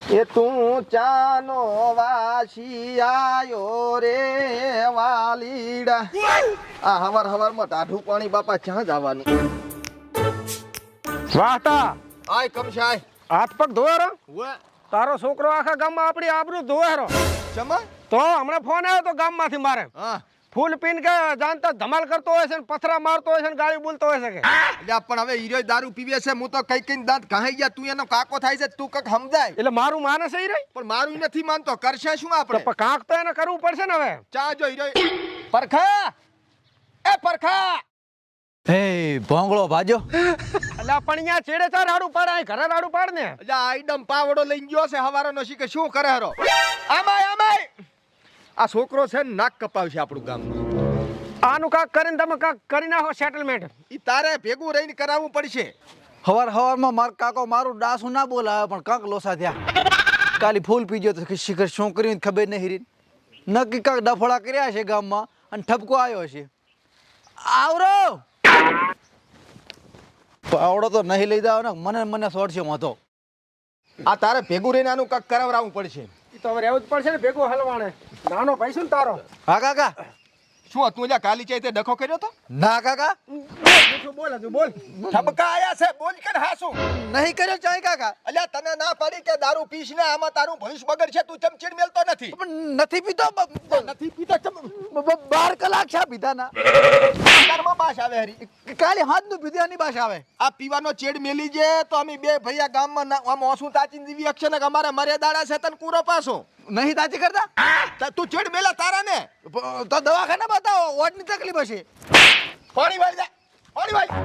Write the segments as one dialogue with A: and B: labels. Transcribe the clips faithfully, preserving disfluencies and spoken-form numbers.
A: એ તું ચાનો વાસી આયો રે વાલીડા આ હવાર હવારમાં ટાઢું પાણી બાપા ક્યાં જવાનું
B: વાહતા
A: આય કમશાય
B: હાથ પગ ધોવારો
A: હુએ
B: તારો છોકરો આખા ગામમાં આપણી આબરૂ ધોવારો
A: ચમા
B: તો હમણાં ફોન આવ્યો તો ગામમાંથી મારે
A: હા
B: ફૂલ પીન કે જાણતા ધમાલ કરતો હોય છે ને પથરા મારતો હોય છે ને ગાળી બોલતો હોય છે કે
A: એટલે પણ હવે હીરો દારૂ પીવે છે હું તો કઈ કઈ દાંત ઘાઈ ગયા તું એનો કાકો થાય છે તું કક સમજાય
B: એટલે મારું માનસ એ રહી
A: પણ મારું નથી માનતો કરશે શું આપણે
B: પણ કાંક તો એને કરવું પડશે ને હવે
A: ચા જો હીરો પરખા એ પરખા
C: હે ભોંગળો ભાજો
B: એટલે પણ અહીંયા છેડે ચાર રાડું પાડે અહીં ઘરે રાડું પાડ ને
A: એટલે આઈડમ પાવડો લઈને ગયો છે હવારાનો શીખે શું કરે હરો આમાય આમાય આ છોકરો છે ને નાક કપાવશે આપણું ગામનું
B: આનું કાંક કરીને તમે કાંક કરી નાખો સેટલમેન્ટ
A: ઈ તારે ભેગું રહીને કરાવવું પડશે
C: હવાર હવારમાં માર કાકો મારું ડાસું ના બોલાવે પણ કાંક લોસા થયા કાલી ફૂલ પીજો તો શિખર શું કર્યું ખબર નહીં હીરી નક્કી કાંક ડફોડા કર્યા છે ગામમાં અને ઠપકો આવ્યો છે આવરો પાવડો તો નહીં લઈ જાવ ને મને મને શોર્ટ છે મતો
A: આ તારે ભેગું રહીને આનું કાંક કરાવરાવવું પડશે
B: એ તો હવે રહેવું જ પડશે ને ભેગો હલવાણે નાનો ભાઈ શું ને તારો
C: હા કાકા
A: શું તું જ્યાં કાલી ચાઈ તે ડખો કર્યો તો
C: ના કાકા
B: બોલ હજુ બોલ
A: ઠપકા આયા છે બોલ કે હા શું
C: નહીં કર્યો ચાય કાકા
A: અલ્યા તને ના પાડી કે દારૂ પીશ ને આમાં તારું ભવિષ્ય બગડશે તું ચમચીડ મેલતો નથી
C: પણ નથી પીતો
A: નથી પીતો ચમ
C: બાર કલાક છે પીધા ના
A: તારમાં બાશ આવે હરી
C: કાલે હાથ નું પીધા ની બાસ આવે
A: આ પીવાનો ચેડ મેલી જે તો અમે બે ભૈયા ગામમાં આમ ઓસું તાચીને જીવી અક્ષે ને અમારે મર્યાદાડા છે તને કૂરો પાસો
C: નહીં તાચી કરતા
A: તું ચેડ મેલા તારા ને
C: તો દવાખાને બતાવો ઓટની તકલીફ હશે
A: પાણી વાળી જા પાણી વાળી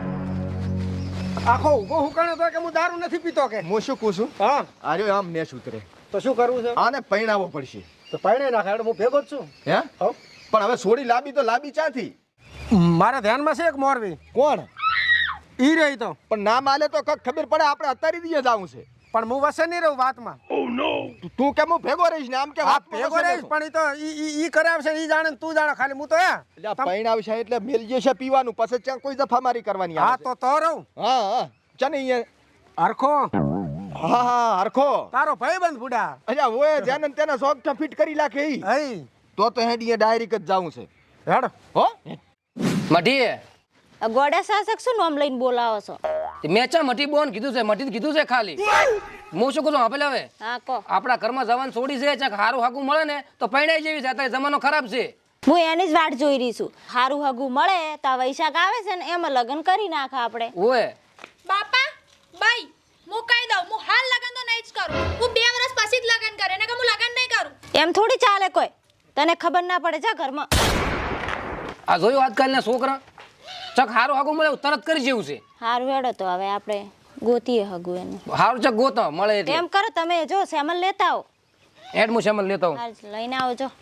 B: આખો ઉભો હુકાણો તો કે હું દારૂ નથી પીતો કે
A: હું શું પૂછું
B: હા
A: આર્યો આમ નેસ ઉતરે
B: તો શું કરવું છે
A: આને પૈણાવો પડશે
B: તો પાણી નાખે એટલે હું ભેગો જ છું
A: હે
B: હો
A: પણ હવે સોડી લાંબી તો લાંબી ચાથી
B: મારા ધ્યાનમાં છે એક મોરવી
A: કોણ
B: ઈ રહી તો
A: પણ ના માલે તો કક ખબર પડે આપણે અત્યારે દીએ જાવું છે
B: પણ હું વસે નહીં રહું વાતમાં
A: તું કેમ હું ભેગો રહીશ ને આમ કે
B: હા
A: વાત
B: ભેગો રહીશ પણ ઈ તો ઈ ઈ ઈ કરાવશે ઈ જાણે ને તું જાણે ખાલી હું તો હે
A: એટલે પૈણાવશે એટલે મેલ જશે પીવાનું પછી ત્યાં કોઈ દફામારી કરવાની
B: હા
A: આવે
B: તો તો રહું
A: હા હા ચાને અહીંયા
B: હરખો
A: હા હા હરખો
B: તારો ભાઈબંધ બુડા
A: અચ્છા ઓય જેને તેને સોગઠા ફિટ કરી નાખે ઈ
B: હઈ
A: તો તો હેડીએ ડાયરેક્ટ જ જાવું છે
B: હેડ
A: હો
D: મઢી
E: ગોડા શાસક શું નામ લઈને બોલાવો છો
D: મેં ચા મઢી બોન કીધું છે મઢી કીધું છે ખાલી હું શું કહું આપેલ હવે
E: હા કો
D: આપણા ઘરમાં જવાન છોડી છે ચાક હારું હાકું મળે ને તો પૈણાઈ જેવી છે અત્યારે જમાનો ખરાબ છે
E: હું એની જ વાટ જોઈ રહી છું હારું હગું મળે તો આ વૈશાખ આવે છે ને એમાં લગ્ન કરી નાખા આપણે
D: ઓય
F: બાપા બાઈ હું કહી દઉં હું હાલ લગન તો નહીં જ કરું હું બે વર્ષ પછી જ લગન કરે ને કે હું લગન નહીં કરું
E: એમ થોડી ચાલે કોઈ તને ખબર ના પડે જા ઘરમાં
D: આ જોયું આજકાલના છોકરા ચક હારું હાકું મળે એવું તરત કરી જેવું છે
E: હારું હેડો તો હવે આપણે ગોતીએ હગું એનું
D: હારું ચક ગોતો મળે એટલે
E: એમ કરો તમે જો સેમલ લેતા આવો
D: એડ હું શેમલ લેતો હું
E: હાલ લઈને આવો જો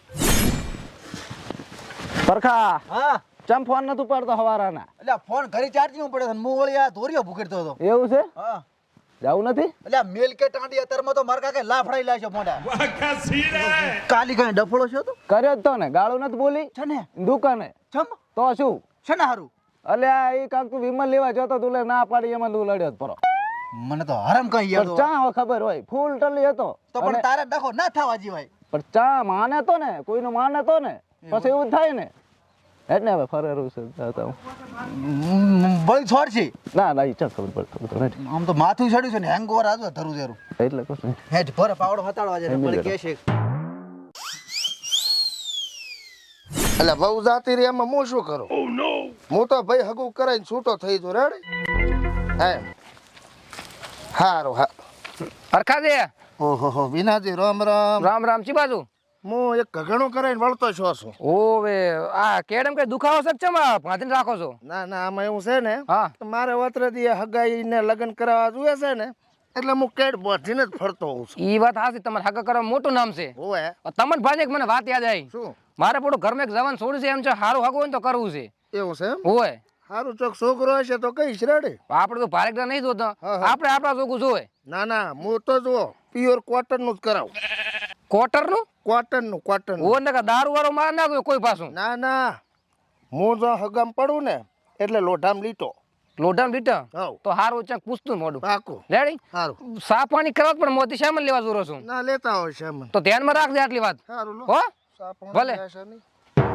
C: પરખા
B: હા
C: ચમ ફોન નતું પડતો હવારાના એટલે ફોન ઘરે ચાર્જિંગ પડે છે હું વળી આ ધોરીઓ ભૂકેડતો હતો એવું છે હા જાવું નથી એટલે મેલ કે ટાંડી અત્યારમાં તો માર કાકે લાફડાઈ લાગ્યો મોઢા કાલી કઈ ડફળો છે તો
G: કર્યો જ તો ને ગાળું નથી બોલી
C: છે ને
G: દુકાને
C: ચમ
G: તો શું
C: છે ને હારું
G: અલ્યા એ કાક તું વિમલ લેવા જતો તું લે ના પાડી એમાં તું લડ્યો જ પરો
C: મને તો હરામ કઈ યાદ
G: પણ ચા હવે ખબર હોય ફૂલ ટલી હતો
C: તો પણ તારે ડખો ના થવા જીવાય
G: પણ ચા માને તો ને કોઈનું માને તો ને પછી એવું થાય ને એટલે હવે ફરેરું છે જાતા હું.
C: બળી છોડ છે
G: ના ના ઈ ચા ખબર પડતો નથી
C: આમ તો માથું ચડ્યું છે ને હેંગોવર આજો ધરું ધરું
G: એટલે કશું નહીં.
C: હેઠ ભરે પાવડો હતાડવા જાય
G: એમ
C: બળી
G: જ
C: કે છે
A: એટલે બહુ જાતી રે એમાં હું શું કરું હું તો ભાઈ હગું કરાઈને છૂટો થઈ જો રેડી હે હારું હા
D: હરખા દે
A: ઓહો હો વિનાજી રામ રામ
D: રામ રામ ચી બાજુ
A: હું એક ઘઘણું કરાઈને વળતો છો છું
D: ઓવે આ કેડમ કઈ દુખાવો છે ચમ ભાંધીને રાખો છો
A: ના ના આમાં એવું છે ને
D: હા
A: મારે વતરદી હગાઈને લગ્ન કરાવવા જોઈએ છે ને એટલે હું કેડ બોધીને જ ફરતો હોઉં છું
D: ઈ વાત હાસી તમારે હગા કરવા મોટું નામ છે
A: ઓએ
D: તમને ભાજે મને વાત યાદ આવી
A: શું
D: મારે પોડું ઘરમાં એક જવાન છોડ્યું છે એમ છે હારું હગું હોય ને તો કરવું છે
A: એવું છે એમ
D: હોય
A: સારું ચોક છોકરો હશે તો કઈશ રેડી
D: આપણે તો ભારેકડા નહીં જોતો
A: હા, હા.
D: આપણે આપણા જોગું જોવે
A: ના ના હું તો જુઓ પ્યોર કોટન નું જ કરાવું
D: કોટર નું
A: કોટન નું કોટન
D: ઓ ને દારૂ વાળો માર ના કોઈ પાછું
A: ના ના હું જો હગામ પડું ને એટલે લોઢામ લીટો
D: લોઢા લીટા
A: હાવ.
D: તો હારું ચક પૂછતું મોડું
A: પાકું
D: રેડી
A: સારું
D: સા પાણી કરવા પણ મોતી સામાન લેવા જોરો છું
A: ના લેતા હોય શ્યામન
D: તો ધ્યાનમાં રાખજે આટલી વાત
A: સારું લો
D: હો
A: સાપણ
D: ભલે.
A: આશા નહીં.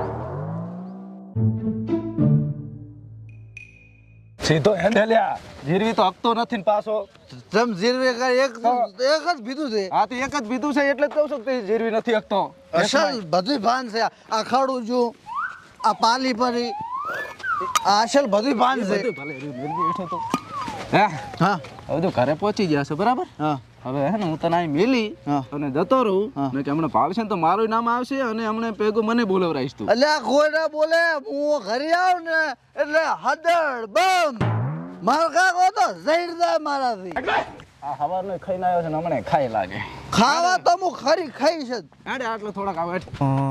G: સીધો હેન્ડે લ્યા જીરવી તો હકતો નથી ને પાછો
C: જમ જીરવે કાંઈ એક એક જ પીધું છે
G: આ તો એક જ પીધું છે એટલે જ કહું છું કે તે જીરવી નથી હકતો
C: અસલ બધું ભાન છે આ ખાડું જો આ પાલી પરી આ અસલ બધું ભાન છે
G: ભલે બેઠો તો હે
C: હા
G: હવે તો ઘરે પહોંચી ગયા છે બરાબર
C: હા
G: હવે હે ને હું તને અહીં મેલી
C: હા.
G: અને જતો રહું
C: હા.
G: ને કે હમણાં ભાવશે ને તો મારું નામ આવશે અને હમણાં પેગું મને બોલાવરાઈશ તું
C: અલ્યા કોઈ ના બોલે હું ઘરે આવું ને એટલે હદડ બમ મારો કાકો તો ઝેર જાય મારાથી
G: આ સવારનો ખાઈને આવ્યો છે ને હમણાં ખાઈ લાગે
C: ખાવા તો હું ખરી ખાઈ છે
G: આડે આટલો થોડાક આવે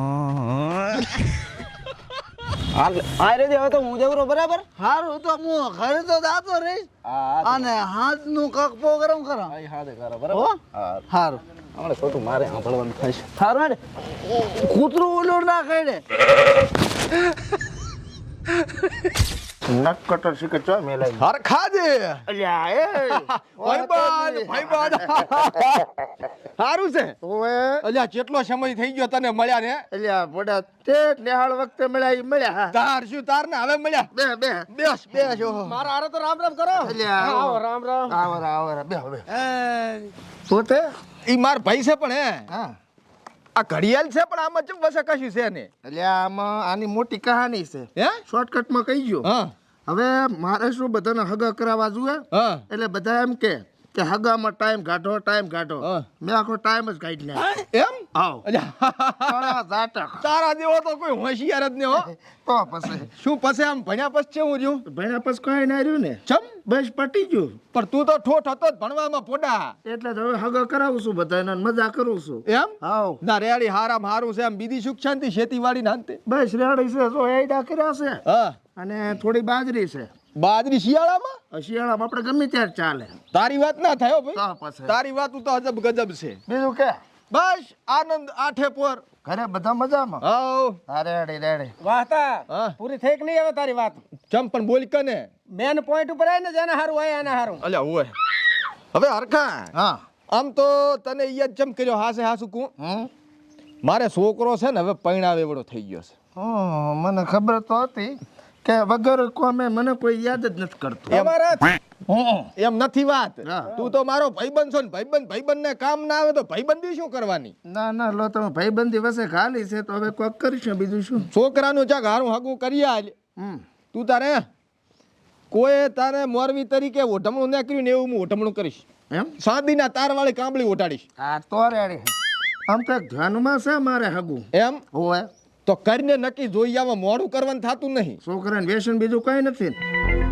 G: હાલ આ રે હવે તો હું જવરો બરાબર
C: સારું તો હું ઘરે તો જાતો રહીશ
G: આ
C: અને હાથ નું કક પ્રોગ્રામ કરો
G: આ હાથે કરો
C: હો?
G: બરાબર હા
C: સારું
G: હમણાં ખોટું મારે સાંભળવાનું થશે
C: સારું હેડ કૂતરું ઓલું ના ખાઈ
A: નક કટર શીખે ચો મેલાઈ
C: હરખા દે
A: અલ્યા એ
C: ભાઈબાન ભાઈબાન સારું છે
A: ઓએ
C: અલ્યા કેટલો સમય થઈ ગયો તને મળ્યા ને
A: અલ્યા બડા તે નિહાળ વખતે મળ્યા ઈ મળ્યા હા
C: તાર શું તાર ને હવે મળ્યા
A: બે બે
C: બેસ બેસ ઓહો.
B: મારા હારે તો રામ રામ કરો
A: અલ્યા
B: આવો રામ રામ
A: આવર આવર બે હવે
C: એ,
A: પોતે
C: ઈ માર ભાઈ છે પણ હે
A: હા
C: આ ઘડિયાળ છે પણ આમાં ચમ વસે કશું છે ને
A: અલ્યા આમાં આની મોટી કહાની છે
C: હે
A: શોર્ટકટમાં કહી ગયો
C: હા
A: હવે મારે શું બધાને હગા કરાવવા જોઈએ
C: હા
A: એટલે બધા એમ કે કે હગામાં ટાઈમ કાઢો ટાઈમ કાઢો
C: હા.
A: મેં આખો ટાઈમ જ કાઢી નાખ્યો
C: એમ
A: આવ
C: અલ્યા
A: તારા ઝાટક
C: તારા જેવો તો કોઈ હોશિયાર જ ને હો
A: તો પછી
C: શું પછી આમ ભણ્યા પછી કેવું રહ્યું
A: ભણ્યા પછી કઈ ના રહ્યું ને
C: ચમ
A: બસ પટી ગયું
C: પણ તું તો ઠોઠ હતો જ ભણવામાં પોડા
A: એટલે જ હવે હગા કરાવું છું બધાને અને મજા કરું છું
C: એમ
A: હાવ
C: ના રેડી હારામ હારું છે આમ બીજી સુખ શાંતિ ખેતીવાડી ના અંતે
A: બસ રેડી છે જો એડા કર્યા છે
C: હા
A: અને થોડી બાજરી છે
C: બાજરી શિયાળામાં
A: શિયાળામાં આપણે ગમે ત્યારે ચાલે
C: તારી વાત ના થાય હો
A: તો
C: ભાઈ
A: પછી
C: તારી વાત તો અજબ ગજબ છે
A: બીજું કે
C: બસ આનંદ આઠે પોર
A: ઘરે બધા મજામાં
C: હાઉ
A: હા રેડી રેડી
B: વાહતા
C: હા
B: પૂરી થઈ કે નહીં હવે તારી વાત
C: ચમ પણ બોલ કને
B: મેન પોઈન્ટ ઉપર આવી ને જેને હારું હોય એને હારું
C: અલ્યા ઓય હવે હરખા
A: હા
C: આમ તો તને યાદ ચમ કર્યો હાસે હાસુ કું
A: હમ
C: મારે છોકરો છે ને હવે પૈણાવે એવડો થઈ ગયો છે
A: હમ, મને ખબર તો હતી કે વગર કોમે મને કોઈ યાદ જ નથી કરતું હમ.
C: એમ નથી વાત
A: હા.
C: તું તો મારો ભાઈબંધ છો ને ભાઈબંધ ભાઈબંધ ને કામ ના આવે તો ભાઈબંધી શું કરવાની
A: ના ના લો તમે ભાઈબંધી વસે ખાલી છે તો હવે કોક કરીશું બીજું શું
C: છોકરાનું ચાક હારું હાગું કરી આલ
A: હમ
C: તું તારે કોઈ તારે મોરવી તરીકે ઓઢમણું ના કર્યું ને એવું હું ઓઢમણું કરીશ
A: એમ
C: સાદીના તારવાળી કાંબળી ઓટાડીશ
A: આ તો રેડી આમ તો એક ધ્યાનમાં છે મારે હગું
C: એમ
A: હોય
C: તો કરીને નક્કી જોઈ આવા મોડું કરવાનું થતું નહીં
A: છોકરાને વ્યસન બીજું કઈ નથી ને.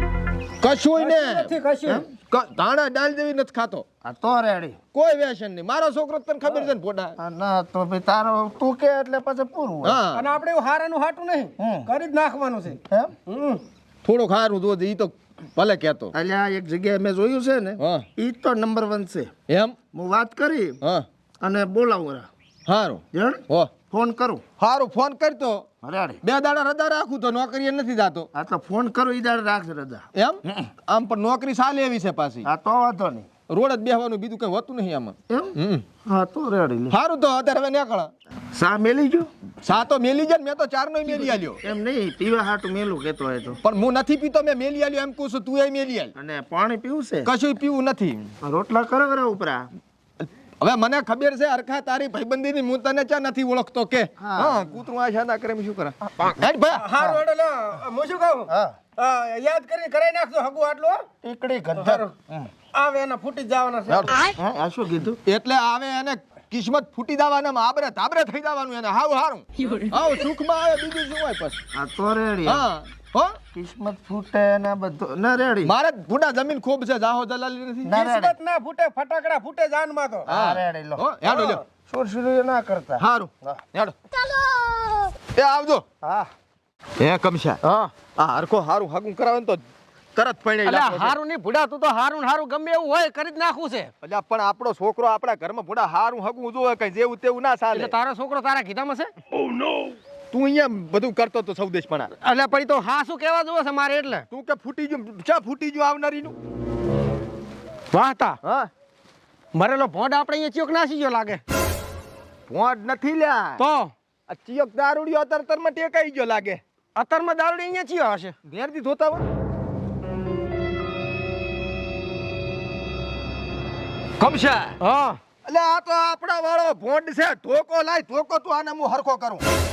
C: કશું ને
B: નથી કશું
C: ક- ધાણા ડાલ જેવી નથી ખાતો
A: આ તો રેડી
C: કોઈ વ્યસન નહીં મારો છોકરો તને ખબર છે ને પોડા
A: આ ના તો ભાઈ તારો તું કે એટલે પછી પૂરું હોય
C: હા
B: અને આપણે એવું હારાનું હાટું નહીં
A: હમ.
B: કરી જ નાખવાનું છે
A: એમ
B: હમ
C: થોડું ખારું જોજે ઈ તો ભલે કહેતો
A: અલ્યા એક જગ્યાએ મેં જોયું છે ને
C: હા
A: ઈ તો નંબર વન છે
C: એમ
A: હું વાત કરી
C: હા
A: અને બોલાવું રા
C: સારું
A: જણ
C: હો
A: ફોન કરું
C: સારું ફોન કરતો
A: રેડી
C: બે દાડા રજા રાખું તો નોકરીએ નથી જાતો
A: આ તો ફોન કરું ઈ દાડે રાખજે રજા
C: એમ આમ પણ નોકરી સાલે એવી છે પાછી
A: આ તો વાંધો નહીં
C: રોડ જ બેહવાનું બીજું કઈ હોતું નહીં આમાં
A: એમ
C: હમ
A: હા તો રેડી લે
C: સારું તો અત્યારે હવે નીકળ
A: સા મેલી ગયો
C: સા તો મેલી જાય ને મેં તો ચાર નો મેલી આલ્યો
A: એમ નહીં પીવા હાટું મેલું કેતો હોય તો
C: પણ હું નથી પીતો મેં મેલી આલ્યો એમ કહું છું તું એ મેલી આલ
A: અને પાણી પીવું છે
C: કશું પીવું નથી
A: રોટલા કરો કરો ઉપરા
C: હવે મને ખબર છે અરખા તારી ભાઈબંધીની હું તને ચા નથી ઓળખતો કે
A: હા.
C: હા કૂતરું આ શાના કરે એમ શું કરે હેડ ભાઈ
B: હારું એટલે લો હું શું કહું
A: હા
B: આ, યાદ કરીને કરાઈ નાખજો હગું આટલું હો.
A: ટીકડી ગંધર
B: આવે એના ફૂટી જ જવાના છે
A: હા આ શું કીધું
C: એટલે આવે એને કિસ્મત ફૂટી જવાના આબરે તાબરે થઈ જવાનું એને હાવ હારું હાવ સુખમાં આવે બીજું શું હોય પછી
A: આ તો રેડી
C: હા હો
A: કિસ્મત ફૂટે ને બધું ના રેડી
C: મારે ભૂડા જમીન ખૂબ છે જાહો દલાલી નથી
A: ના રેડી
B: કિસ્મત ના ફૂટે ફટાકડા ફૂટે જાનમાં તો
A: હા રેડી લો
C: હો હેડો લ્યો
A: સુરસુરી ના કરતા
C: હારું હેડો એ આવજો
A: હા
C: હે કમશા
B: હા
C: આ હરખો હારું હાગું કરાવે ને તો તરત પૈણે
D: અલ્યા હારું નહીં ભૂડા તું તો હારું ને હારું ગમે એવું હોય કરી જ નાખવું છે
C: અલ્યા પણ આપણો છોકરો આપણા ઘરમાં ભૂડા હારું હગું જોવે કઈ જેવું તેવું ના ચાલે
D: એટલે તારો છોકરો તારા કીધામાં છે
B: તું અહીંયા બધું કરતો તો સૌદેશપણા.
H: એટલે પછી તો હા શું કહેવા જોવે છે મારે એટલે
B: તું કે ફૂટી ગયું ચા ફૂટી ગયું આવનારીનું.
H: વાહતા
B: હા
H: મરેલો ભોંડ આપણે અહીંયા ચિયોક નાસી ગયો લાગે
B: ભોંડ નથી લ્યા.
H: તો
B: આ ચિયોક દારૂડિયો અતર અતરમાં ટેકાઈ ગયો લાગે.
H: અત્યારમાં દારૂડી અહીંયા ચિયો હશે
B: ઘેરથી ધોતા હોય. કમશા
H: હા
B: એટલે આ તો આપણા વાળો ભોંડ છે. ધોકો લાય ધોકો તું આને હું હરખો કરું.